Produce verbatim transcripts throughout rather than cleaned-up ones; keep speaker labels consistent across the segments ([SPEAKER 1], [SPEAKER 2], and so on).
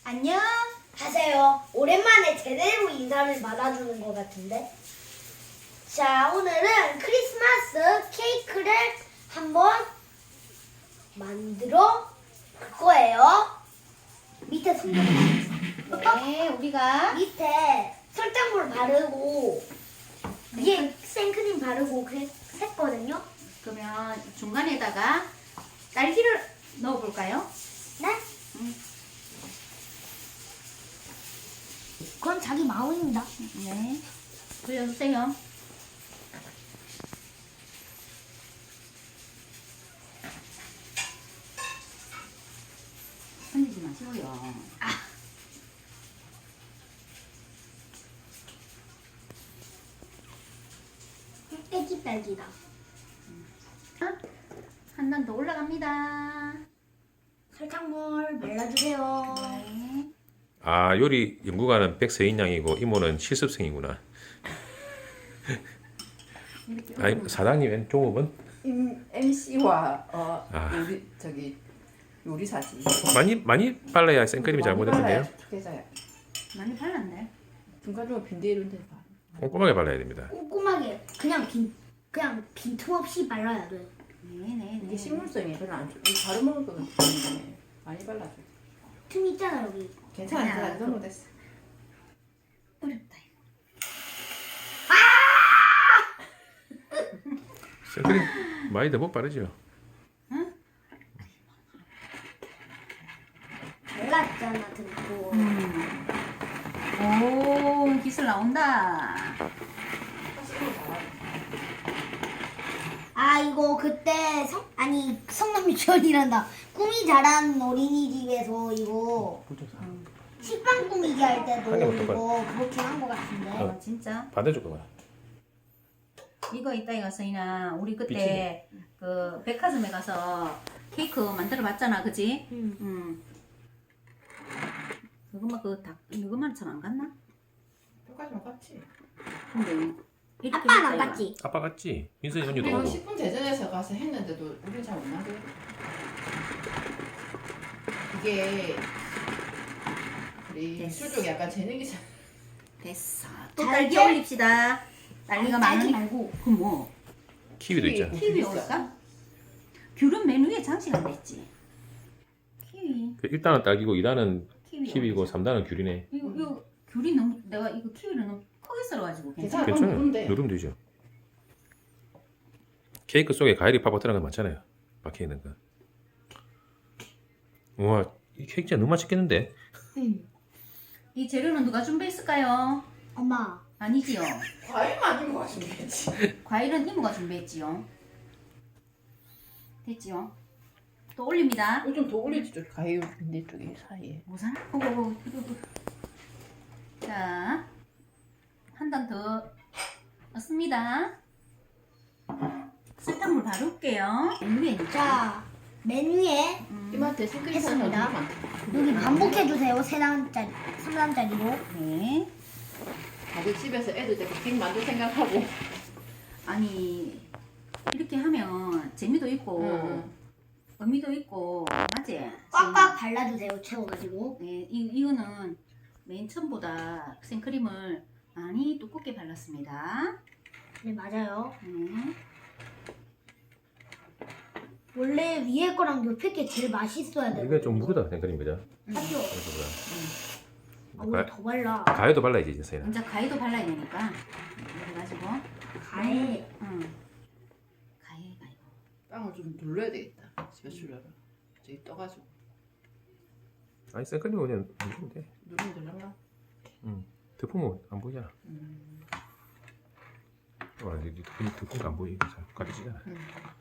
[SPEAKER 1] 안녕.
[SPEAKER 2] 하세요. 오랜만에 제대로 인사를 받아주는 것 같은데. 자, 오늘은 크리스마스 케이크를 한번 만들어 볼 거예요. 밑에 손님
[SPEAKER 1] 네, 우리가
[SPEAKER 2] 밑에 설탕물 바르고 위에 생크림 바르고 그랬, 했거든요.
[SPEAKER 1] 그러면 중간에다가 딸기를 넣어볼까요?
[SPEAKER 2] 네?
[SPEAKER 1] 음.
[SPEAKER 2] 그건 자기 마음입니다.
[SPEAKER 1] 네. 돌려주세요. 흔들지 마시고요.
[SPEAKER 2] 애기 딸기다.
[SPEAKER 1] 한 단 더 올라갑니다.
[SPEAKER 2] 설탕물 발라주세요.
[SPEAKER 1] 네.
[SPEAKER 3] 아, 요리 연구가는 백서인 양이고 이모는 실습생이구나.
[SPEAKER 1] 이렇게
[SPEAKER 3] 아니, 사장님 왼 종업은
[SPEAKER 4] 임 엠씨와 어
[SPEAKER 3] 아.
[SPEAKER 4] 요리 저기 요리사지.
[SPEAKER 3] 많이 많이 발라야 생크림이 잘못했는데요.
[SPEAKER 4] 계좌야.
[SPEAKER 1] 많이 발랐네.
[SPEAKER 4] 중간중간 빈대 이런 데 봐.
[SPEAKER 3] 꼼꼼하게 발라야 됩니다.
[SPEAKER 2] 꼼꼼하게 그냥 빈 그냥 빈틈없이 발라야 돼.
[SPEAKER 1] 네네.
[SPEAKER 4] 이게 식물성이 별로 안 좋아. 이거 바로 먹을 거는 좋은데 많이 발라줘.
[SPEAKER 2] 틈 있잖아 여기.
[SPEAKER 4] 괜찮아,
[SPEAKER 1] 야,
[SPEAKER 4] 괜찮아. 이 정도 됐어.
[SPEAKER 1] 어렵다.
[SPEAKER 3] 생크림 많이 더 못 바르죠.
[SPEAKER 2] 발랐잖아 등고.
[SPEAKER 1] 음. 오, 기술 나온다.
[SPEAKER 2] 아 이거 그때 성 아니 성남 유치원이란다. 꿈이 자란 어린이집에서 이거 식빵 꾸미기 할 때도
[SPEAKER 3] 한 개만 더
[SPEAKER 2] 이거 그렇게 한 것 같은데.
[SPEAKER 3] 어.
[SPEAKER 1] 어, 진짜.
[SPEAKER 3] 반대쪽 거봐.
[SPEAKER 1] 이거 이따가 가서이나 우리 그때 그 백화점에 가서 케이크 만들어 봤잖아, 그지?
[SPEAKER 2] 음.
[SPEAKER 1] 응. 그것만 그닭 이것만 참 안 갔나?
[SPEAKER 4] 똑같이만 같지.
[SPEAKER 1] 근데 이렇게
[SPEAKER 2] 아빠는 안
[SPEAKER 1] 했다, 이거.
[SPEAKER 2] 갔지?
[SPEAKER 3] 아빠 같지? 민선이 언니도
[SPEAKER 4] 이건
[SPEAKER 3] 오고.
[SPEAKER 4] 십 분 대전에서 가서 했는데도 우린 잘 못 나게. 이게 우리
[SPEAKER 1] 됐어.
[SPEAKER 4] 술 쪽에 약간 재능이 잘.
[SPEAKER 1] 됐어. 또
[SPEAKER 2] 달걀?
[SPEAKER 1] 딸기 올립시다. 딸기가
[SPEAKER 2] 딸기
[SPEAKER 1] 많으니
[SPEAKER 2] 말고.
[SPEAKER 1] 그럼 뭐
[SPEAKER 3] 키위도 있잖아.
[SPEAKER 1] 키위 올까? 귤은 메뉴에 장식 안 됐지. 키위.
[SPEAKER 3] 그 일 단은 딸기고 이 단은
[SPEAKER 1] 키위.
[SPEAKER 3] 키위고
[SPEAKER 1] 올리자.
[SPEAKER 3] 삼 단은 귤이네.
[SPEAKER 1] 이거 이거 귤이 너무 내가 이거 키위를 너무 크게 썰어가지고 괜찮아.
[SPEAKER 4] 괜찮아. 그럼
[SPEAKER 3] 괜찮아요.
[SPEAKER 4] 누르면 돼.
[SPEAKER 3] 누르면 되죠. 케이크 속에 과일이 파고 들어간 거 많잖아요. 박혀 있는 거. 우와, 이 케이크 진짜 너무 맛있겠는데?
[SPEAKER 2] 응.
[SPEAKER 1] 이 재료는 누가 준비했을까요?
[SPEAKER 2] 엄마.
[SPEAKER 1] 아니지요.
[SPEAKER 4] 과일만 이거 가지고 되지.
[SPEAKER 1] 과일은 이모가 준비했지요. 됐지요. 또 올립니다.
[SPEAKER 4] 이거 좀 더 올리지 좀 과일 빈대 쪽에 사이에.
[SPEAKER 1] 뭐사나? 오오오. 자, 한 단 더 넣습니다. 설탕물 바를게요. 메뉴에
[SPEAKER 2] 자 메뉴에
[SPEAKER 1] 음,
[SPEAKER 4] 이마트에 생크림
[SPEAKER 2] 했습니다.
[SPEAKER 4] 사는 많다.
[SPEAKER 2] 여기 반복해 주세요. 세 단짜리, 삼 단짜리로.
[SPEAKER 1] 네.
[SPEAKER 4] 다들 집에서 애들 데리고 빅 만들 생각하고.
[SPEAKER 1] 아니 이렇게 하면 재미도 있고
[SPEAKER 4] 응.
[SPEAKER 1] 의미도 있고 맞지?
[SPEAKER 2] 꽉꽉 발라주세요. 채워가지고.
[SPEAKER 1] 네, 이, 이거는 맨 처음보다 생크림을 많이 두껍게 발랐습니다.
[SPEAKER 2] 네 맞아요.
[SPEAKER 1] 네.
[SPEAKER 2] 원래 위에 거랑 옆에 게 제일 맛있어야 돼.
[SPEAKER 3] 이게 좀 무르다 생크림 그죠?
[SPEAKER 2] 맞죠? 아,
[SPEAKER 3] 가,
[SPEAKER 2] 우리 더 발라.
[SPEAKER 3] 가위도 발라야지 이제 서인아.
[SPEAKER 1] 이제 가위도 발라야 되니까 이렇게 가지고
[SPEAKER 2] 가해.
[SPEAKER 1] 응. 가위 가위.
[SPEAKER 4] 빵을 좀 눌러야 되겠다. 집에 주려면 저기 떠가지고
[SPEAKER 3] 아니 생크림 그냥 누르면 돼.
[SPEAKER 4] 누르면 되려나?
[SPEAKER 3] 응. 덮으면 안 보이잖아.
[SPEAKER 4] 음.
[SPEAKER 3] 와, 이 덮으면 덮은 거안 보이니까 잘 가리지잖아.
[SPEAKER 4] 음.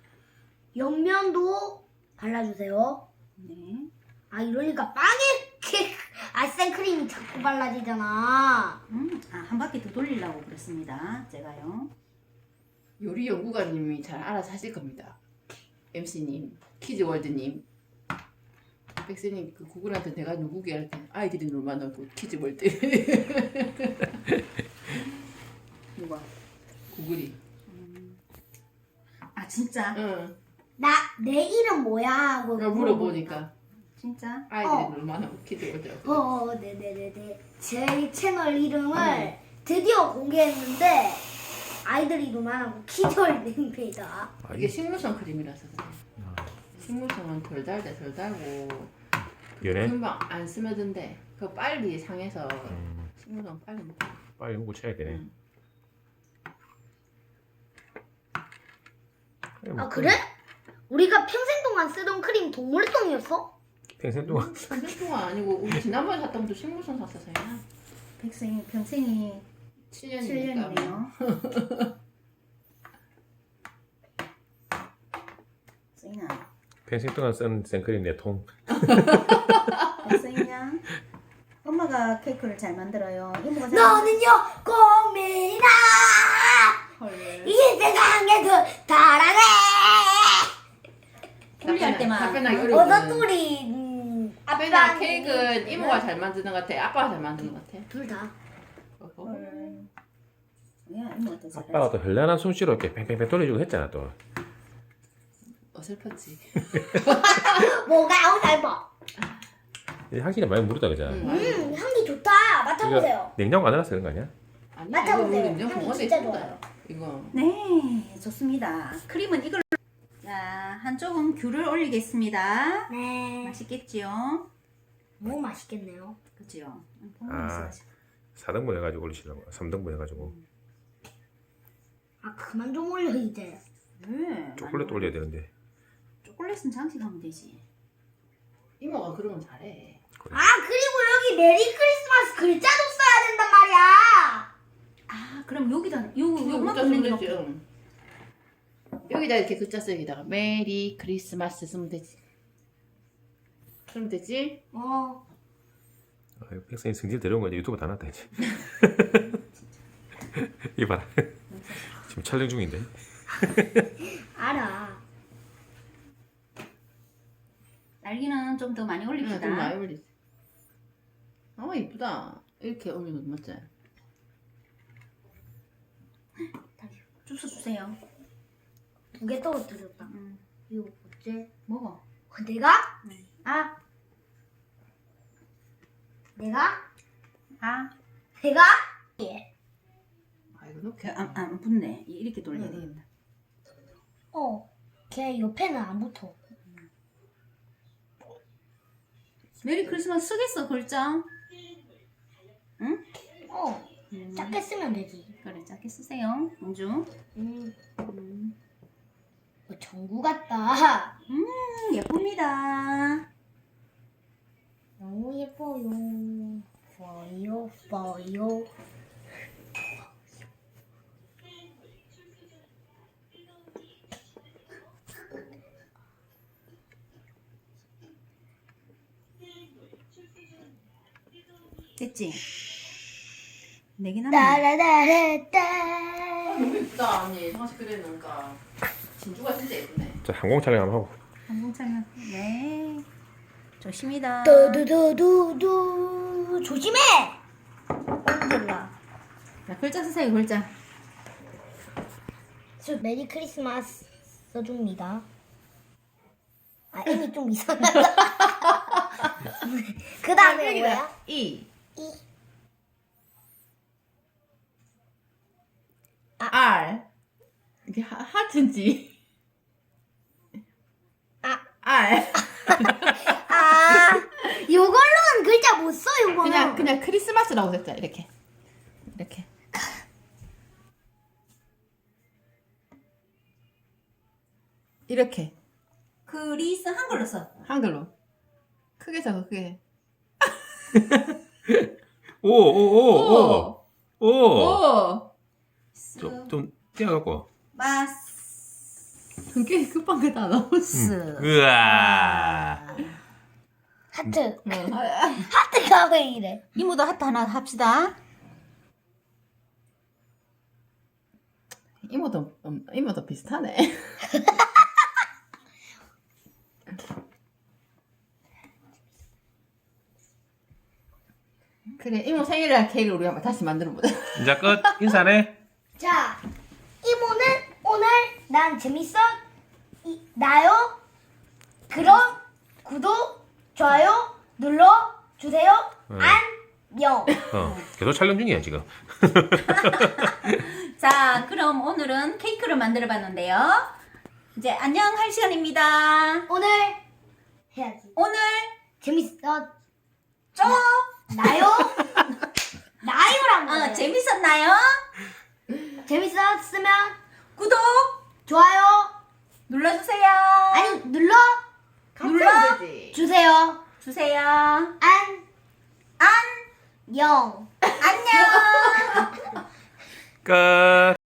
[SPEAKER 2] 옆면도 발라주세요.
[SPEAKER 1] 네.
[SPEAKER 2] 아 이러니까 빵에 이렇게 아 생크림이 자꾸 발라지잖아.
[SPEAKER 1] 음, 아, 한 바퀴 더 돌리려고 그랬습니다. 제가요.
[SPEAKER 4] 요리 연구가님이 잘 알아서 하실 겁니다. 엠씨님, 키즈월드님, 백세님 그 구글한테 내가 누구게 할 때 아이들이 놀만 하고 키즈월드
[SPEAKER 1] 누가?
[SPEAKER 4] 구글이.
[SPEAKER 1] 아 진짜?
[SPEAKER 4] 응.
[SPEAKER 2] 나 내 이름 뭐야 하고
[SPEAKER 4] 내가 물어보니까
[SPEAKER 1] 진짜?
[SPEAKER 4] 아이들이
[SPEAKER 2] 어.
[SPEAKER 4] 놀만한 키즈 월드라고.
[SPEAKER 2] 어, 네네네네. 제 채널 이름을 드디어 공개했는데 아이들이 노만하고 키즈월드입니다.
[SPEAKER 3] 아,
[SPEAKER 4] 이게 식물성 크림이라서 그래.
[SPEAKER 3] 아,
[SPEAKER 4] 식물성은 덜 달대 덜 달고
[SPEAKER 3] 연해?
[SPEAKER 4] 금방 안 스며든대. 그 빨리 상해서
[SPEAKER 3] 음,
[SPEAKER 4] 식물성 빨리 먹어.
[SPEAKER 3] 빨리 먹고 쳐야 되네.
[SPEAKER 4] 응.
[SPEAKER 2] 아 그래? 우리가 평생 동안 쓰던 크림 동물똥이었어?
[SPEAKER 3] 평생 동안
[SPEAKER 4] 한달 동안 아니고 우리 지난번에 샀던 것도 식물성 샀었어요.
[SPEAKER 1] 백생이 평생이
[SPEAKER 4] 칠
[SPEAKER 1] 칠
[SPEAKER 4] 년이니까.
[SPEAKER 1] 년이네요. 쓰이나?
[SPEAKER 3] 평생 동안 쓴 생크림 네 통.
[SPEAKER 1] 쓰이냐? 엄마가 케이크를 잘 만들어요. 이모가 잘
[SPEAKER 2] 너는요 꽃미나
[SPEAKER 1] 헐.
[SPEAKER 2] 이 세상에서 사랑해.
[SPEAKER 1] 분리할 때만.
[SPEAKER 4] 답변하기 어려워.
[SPEAKER 2] 어서소리 음,
[SPEAKER 4] 아빠나
[SPEAKER 2] 아빠는
[SPEAKER 4] 케이크는 이모가 잘 만드는 것 같아. 아빠가 잘 만드는 것 같아.
[SPEAKER 2] 둘 다.
[SPEAKER 4] 어허.
[SPEAKER 1] 헐. 야 이모한테 잘해.
[SPEAKER 3] 아빠가 또 현란한 솜씨로 이렇게 팽팽팽 돌려주고 했잖아 또.
[SPEAKER 4] 어설펐지.
[SPEAKER 2] 뭐가 어설퍼?
[SPEAKER 3] 향기가 많이 무르다 그잖아.
[SPEAKER 4] 응.
[SPEAKER 2] 음 향기 좋다. 맡아보세요.
[SPEAKER 3] 냉장고 안 해놨어 그런 거 아니야?
[SPEAKER 4] 아니
[SPEAKER 2] 맡아보세요.
[SPEAKER 4] 이거 냉장
[SPEAKER 2] 향기
[SPEAKER 4] 봉화돼
[SPEAKER 2] 진짜
[SPEAKER 4] 있습니다.
[SPEAKER 2] 좋아요.
[SPEAKER 4] 이거
[SPEAKER 1] 네, 좋습니다. 크림은 이걸로. 자, 한쪽은 귤을 올리겠습니다.
[SPEAKER 2] 네.
[SPEAKER 1] 맛있겠지요?
[SPEAKER 2] 너무 맛있겠네요.
[SPEAKER 1] 그죠?
[SPEAKER 3] 아. 사 등분 해가지고 올리시려고. 삼 등분 해가지고.
[SPEAKER 2] 아 그만 좀 올려 이제.
[SPEAKER 1] 네.
[SPEAKER 3] 초콜릿 올려야 되는데.
[SPEAKER 1] 초콜릿은 장식하면 되지.
[SPEAKER 4] 이모가 그러면 잘해.
[SPEAKER 2] 아 그리고 여기 메리 크리스마스 글자도 써야 된단 말이야.
[SPEAKER 1] 아, 그럼 여기다 요
[SPEAKER 4] 이거
[SPEAKER 1] 요만
[SPEAKER 4] 글자
[SPEAKER 1] 보는
[SPEAKER 4] 쓰면
[SPEAKER 1] 게
[SPEAKER 4] 되지. 응. 여기다 이렇게 글자 쓰기다가 메리 크리스마스 쓰면 되지. 그럼 되지?
[SPEAKER 2] 어.
[SPEAKER 3] 아, 백성이 성질 데려온 거 이제 유튜브 다 났다 이제. 이 봐라. 지금 촬영 중인데.
[SPEAKER 2] 알아.
[SPEAKER 1] 날개는 좀 더 많이
[SPEAKER 4] 응,
[SPEAKER 1] 올립시다.
[SPEAKER 4] 좀 많이 올리지. 아 이쁘다. 이렇게 올리면 맞지?
[SPEAKER 1] 주스 주세요.
[SPEAKER 2] 두 개 떨어뜨렸다.
[SPEAKER 1] 음,
[SPEAKER 2] 이거 어째?
[SPEAKER 1] 먹어.
[SPEAKER 2] 어, 내가?
[SPEAKER 1] 네.
[SPEAKER 2] 아. 내가?
[SPEAKER 1] 아,
[SPEAKER 2] 내가? 예.
[SPEAKER 4] 아 이거 놓게.
[SPEAKER 1] 그, 안, 안 붙네. 이렇게 돌려야
[SPEAKER 4] 응, 응.
[SPEAKER 1] 되겠다.
[SPEAKER 2] 어. 걔 옆에는 안 붙어.
[SPEAKER 1] 메리 크리스마스 쓰겠어, 글자? 응?
[SPEAKER 2] 어.
[SPEAKER 1] 음,
[SPEAKER 2] 작게 쓰면 되지.
[SPEAKER 1] 그래, 작게 쓰세요. 공주.
[SPEAKER 2] 음.
[SPEAKER 1] 음,
[SPEAKER 2] 어, 전구 같다.
[SPEAKER 1] 음, 예쁩니다.
[SPEAKER 2] 너무 예뻐요. 보여, 보여.
[SPEAKER 1] 됐지? 네개 남았네.
[SPEAKER 2] 따라라라따.
[SPEAKER 4] 너무 예쁘다 언니. 상식 그려놓으니까 진주가 진짜 예쁘네.
[SPEAKER 3] 자 항공 촬영 한번 하고.
[SPEAKER 1] 항공차면 네. 조심이다.
[SPEAKER 2] 두두두두두. 조심해. 언제라.
[SPEAKER 1] 자, 글자 쓰세요, 글자.
[SPEAKER 2] 저 메리 크리스마스 써줍니다. 아 이미 좀 이상하다. 그 다음에 뭐야?
[SPEAKER 4] E
[SPEAKER 2] 이.
[SPEAKER 4] R 이게 하, 하트인지
[SPEAKER 2] 아.
[SPEAKER 4] R
[SPEAKER 2] 아 요걸로는 글자 못 써 요거는.
[SPEAKER 4] 그냥 그냥 크리스마스라고 썼자 이렇게 이렇게 이렇게
[SPEAKER 1] 크리스 한글로 써.
[SPEAKER 4] 한글로 크게 써 크게
[SPEAKER 3] 오오오오 오.
[SPEAKER 4] 오
[SPEAKER 3] 좀좀 띄어갖고.
[SPEAKER 1] 마스.
[SPEAKER 4] 그게 급한 게 다 나왔어.
[SPEAKER 3] 으아.
[SPEAKER 2] 하트.
[SPEAKER 4] 응.
[SPEAKER 2] 하트가 왜 이래?
[SPEAKER 1] 이모도 하트 하나 합시다.
[SPEAKER 4] 이모도 음, 이모도 비슷하네. 그래 이모 생일날 케이크를 우리 한번 다시 만들어 보자.
[SPEAKER 3] 이제 끝. 인사네.
[SPEAKER 2] 자 이모는 오늘 난 재밌어 이, 나요. 그럼 구독 좋아요 눌러 주세요.
[SPEAKER 3] 네.
[SPEAKER 2] 안녕.
[SPEAKER 3] 어, 계속 촬영 중이야 지금.
[SPEAKER 1] 자, 그럼 오늘은 케이크를 만들어 봤는데요. 이제 안녕 할 시간입니다.
[SPEAKER 2] 오늘 해야지.
[SPEAKER 1] 오늘
[SPEAKER 2] 재밌었
[SPEAKER 1] 좀
[SPEAKER 2] 나요? 나요란
[SPEAKER 1] 어,
[SPEAKER 2] 거예요.
[SPEAKER 1] 재밌었나요?
[SPEAKER 2] 재밌었으면
[SPEAKER 1] 구독
[SPEAKER 2] 좋아요
[SPEAKER 1] 눌러주세요.
[SPEAKER 2] 아니 눌러
[SPEAKER 1] 눌러
[SPEAKER 4] 같이 되지.
[SPEAKER 2] 주세요.
[SPEAKER 1] 주세요.
[SPEAKER 2] 안녕.
[SPEAKER 1] 안녕.
[SPEAKER 3] 끝.